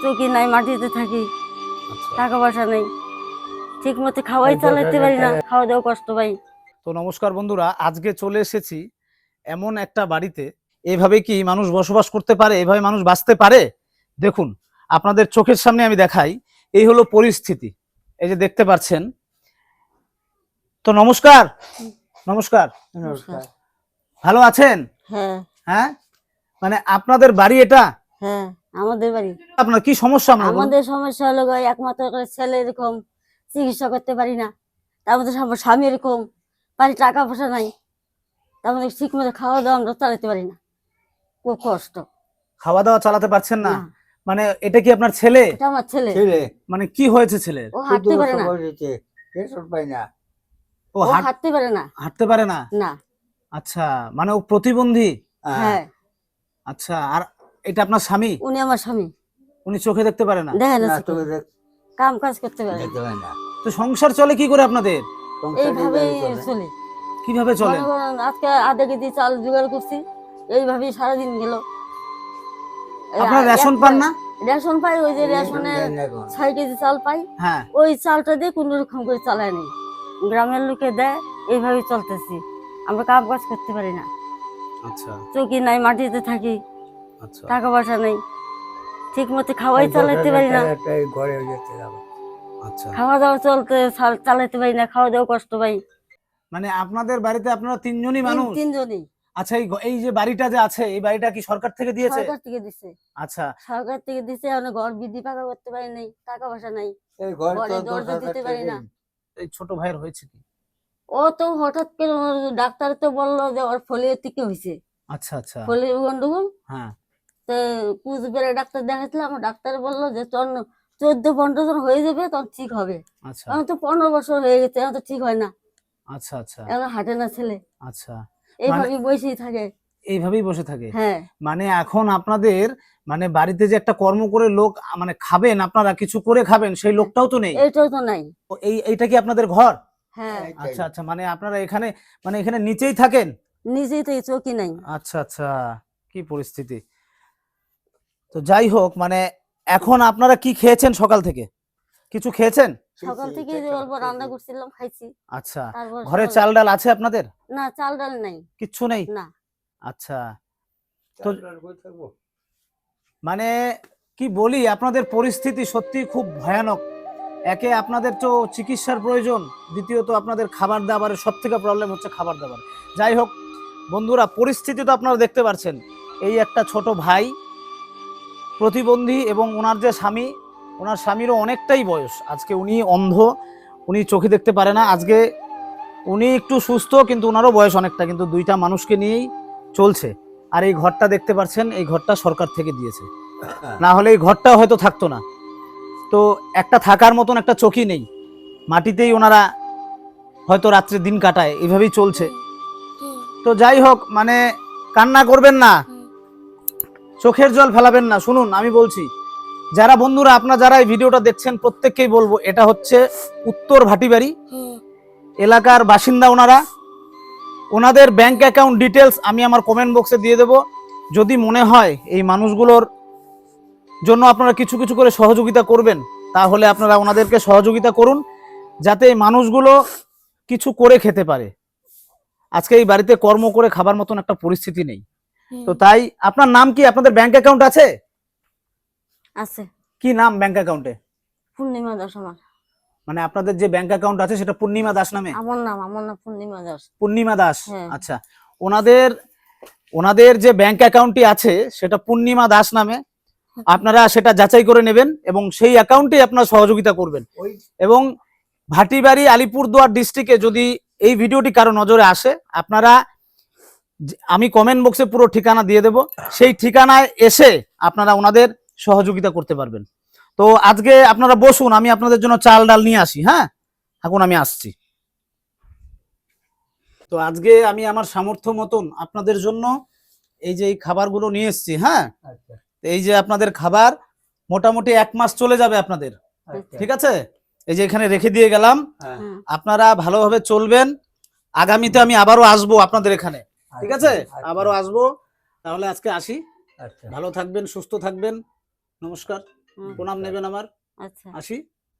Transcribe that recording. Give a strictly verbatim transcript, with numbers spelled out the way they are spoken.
চৌকি নাই, মাটিতে থাকি, টাকা পয়সা নেই, ঠিক মতো খাওয়াই চালাতে পারি না, খাওয়া দাওয়া কষ্ট পাই। তো নমস্কার বন্ধুরা, আজকে চলে এসেছি এমন একটা বাড়িতে। এইভাবে কি মানুষ বসবাস করতে পারে? এভাবে মানুষ বাঁচতে পারে? দেখুন, আপনাদের চোখের সামনে আমি দেখাই। এই হলো পরিস্থিতি, এই যে দেখতে পাচ্ছেন। তো নমস্কার। নমস্কার। নমস্কার। ভালো আছেন? হ্যাঁ হ্যাঁ, মানে আপনাদের বাড়ি এটা? হ্যাঁ আমাদের বাড়ি। আপনার কি সমস্যা? আমাদের সমস্যা হলো গো, একমাত্র করে ছেলে এরকম চিকিৎসা করতে পারি না, তার মধ্যে আমার স্বামী এরকম বাড়ি টাকা পয়সা নাই, তার মধ্যে ঠিক মতো খাওয়া দাওয়া আমরা চালাতে পারি না, খুব কষ্ট। খাওয়া দাওয়া চালাতে পারছেন না? না। মানে এটা কি আপনার ছেলে? এটা আমার ছেলে। মানে কি হয়েছে ছেলের? ও হাঁটতে পারে না। ও ও হাঁটতে পারে না। হাঁটতে পারে না? না। আচ্ছা, মানে ও প্রতিবন্ধী? হ্যাঁ। আচ্ছা, আর এটা আপনার স্বামী? উনি আমার স্বামী। উনি চোখে দেখতে পারে না? দেখেন কাম কাজ করতে পারে না। তো সংসার চলে কি করে আপনাদের? এইভাবেই চলে। কিভাবে চলে? আজকে আধা কেজি চাল জোগাড় করছি, এইভাবেই সারাদিন গেল। আপনারা রেশন পান না? রেশন পাই, ওই যে রেশনে ছয় কেজি চাল পাই, হ্যাঁ, ওই চালটা দিয়ে কোন রকম করে চালায় নেই, গ্রামের লোকে দেয়, এইভাবেই চলতেছি। আমরা কাম কাজ করতে পারি না। আচ্ছা, চৌকি নাই, মাটিতে থাকি, আচ্ছা, টাকা পয়সা নেই, ঠিক মতো খাওয়াই চালাতে পারি না, আচ্ছা, খাওয়া দাওয়া চলতে চালাতে পারি না, খাওয়া দাওয়া কষ্ট পাই। মানে আপনাদের বাড়িতে আপনারা তিনজনই মানুষ? তিনজনই। আচ্ছা, এই এই যে বাড়িটা যে আছে, এই বাড়িটা কি সরকার থেকে দিয়েছে? সরকার থেকে দিছে। আচ্ছা, সরকার থেকে দিছে, মানে ঘর বৃদ্ধি পাকা করতে পারি নাই, টাকা পয়সা নাই, ঘরে দরজা দিতে পারি না। এই ছোট ভাইয়ের হয়েছে কি? ও তো হঠাৎ করে ডাক্তার তো বললো যে ওর ফোলিও থেকে হয়েছে। আচ্ছা, আচ্ছা, ফোলিও গন্ডগোল। হ্যাঁ। তো কুচবিহারে ডাক্তার দেখাচ্ছিলাম, ডাক্তার বললো যে তোর চোদ্দ পনেরো জন হয়ে যাবে, তখন ঠিক হবে। আচ্ছা, এখন তো পনেরো বছর হয়ে গেছে, এখন তো ঠিক হয় না। আচ্ছা, আচ্ছা, এখন হাঁটে না ছেলে। আচ্ছা, এইভাবেই বসেই থাকে। এইভাবেই বসে থাকে? হ্যাঁ। মানে এখন আপনাদের মানে বাড়িতে যে একটা কর্ম করে লোক মানে খাবেন, আপনারা কিছু করে খাবেন, সেই লোকটাও তো নেই। এইটাও তো নাই। এই এইটা কি আপনাদের ঘর? হ্যাঁ। আচ্ছা, আচ্ছা, মানে আপনারা এখানে মানে এখানে নিচেই থাকেন? নিজেই তো চৌকি নাই। আচ্ছা, আচ্ছা, কি পরিস্থিতি। তো যাই হোক, মানে এখন আপনারা কি খেয়েছেন সকাল থেকে? কিছু খেয়েছেন? সকাল থেকে অল্প রান্না করছিলাম, খাইছি। আচ্ছা, ঘরে চাল ডাল আছে আপনাদের? না, চাল ডাল নাই, কিচ্ছু নেই? না। আচ্ছা, তো মানে কি বলি, আপনাদের পরিস্থিতি সত্যি খুব ভয়ানক। একে আপনাদের তো চিকিৎসার প্রয়োজন, দ্বিতীয়ত আপনাদের খাবার দাবারের সব থেকে প্রবলেম হচ্ছে খাবার দাবার। যাই হোক বন্ধুরা, পরিস্থিতি তো আপনারা দেখতে পাচ্ছেন। এই একটা ছোট ভাই প্রতিবন্ধী, এবং ওনার যে স্বামী, ওনার স্বামীরও অনেকটাই বয়স। আজকে উনি অন্ধ, উনি চোখে দেখতে পারে না। আজকে উনি একটু সুস্থ, কিন্তু ওনারও বয়স অনেকটা, কিন্তু দুইটা মানুষকে নিয়েই চলছে। আর এই ঘরটা দেখতে পাচ্ছেন, এই ঘরটা সরকার থেকে দিয়েছে, না হলে এই ঘরটা হয়তো থাকতো না। তো একটা থাকার মতন একটা চৌকি নেই, মাটিতেই ওনারা হয়তো রাত্রে দিন কাটায়, এইভাবেই চলছে। তো যাই হোক, মানে কান্না করবেন না, চোখের জল ফেলাবেন না। শুনুন, আমি বলছি, যারা বন্ধুরা আপনারা যারা এই ভিডিওটা দেখছেন, প্রত্যেককেই বলবো, এটা হচ্ছে উত্তর ভাটিবাড়ি এলাকার বাসিন্দা ওনারা। ওনাদের ব্যাংক অ্যাকাউন্ট ডিটেলস আমি আমার কমেন্ট বক্সে দিয়ে দেব। যদি মনে হয় এই মানুষগুলোর জন্য আপনারা কিছু কিছু করে সহযোগিতা করবেন, তাহলে আপনারা ওনাদেরকে সহযোগিতা করুন, যাতে এই মানুষগুলো কিছু করে খেতে পারে। আজকে এই বাড়িতে কর্ম করে খাবার মতন একটা পরিস্থিতি নেই। তো তাই, আপনার নাম কি? আপনাদের ব্যাংক অ্যাকাউন্ট আছে? আছে। কি নাম ব্যাংক অ্যাকাউন্টে? পূর্ণিমা দাস আমার। মানে আপনাদের যে ব্যাংক অ্যাকাউন্ট আছে সেটা পূর্ণিমা দাস নামে? আমার নাম, আমার নাম পূর্ণিমা দাস। পূর্ণিমা দাস, আচ্ছা। ওনাদের ওনাদের যে ব্যাংক অ্যাকাউন্টটি আছে সেটা পূর্ণিমা দাস নামে। আপনারা সেটা যাচাই করে নেবেন এবং সেই অ্যাকাউন্টে আপনারা সহযোগিতা করবেন। এবং ভাটিবাড়ি আলিপুরদুয়ার ডিস্ট্রিক্টে যদি এই ভিডিওটি কারো নজরে আসে, আপনারা, আমি কমেন্ট বক্সে পুরো ঠিকানা দিয়ে দেব, সেই ঠিকানায় এসে আপনারা ওনাদের সহযোগিতা করতে পারবেন। তো আজকে আপনারা বসুন, আমি আপনাদের জন্য চাল ডাল নিয়ে আসি। হ্যাঁ, এখন আমি আসছি। তো আজকে আমি আমার সামর্থ্য মতন আপনাদের জন্য এই যে এই খাবারগুলো নিয়ে এসেছি। হ্যাঁ, এই যে আপনাদের খাবার মোটামুটি এক মাস চলে যাবে আপনাদের, ঠিক আছে? এই যে এখানে রেখে দিয়ে গেলাম, আপনারা ভালোভাবে চলবেন। আগামীতে আমি আবারও আসবো আপনাদের এখানে, ঠিক আছে? আবারও আসবো। তাহলে আজকে আসি, ভালো থাকবেন, সুস্থ থাকবেন, নমস্কার। হুম, প্রণাম নেবেন আমার। আচ্ছা আসি।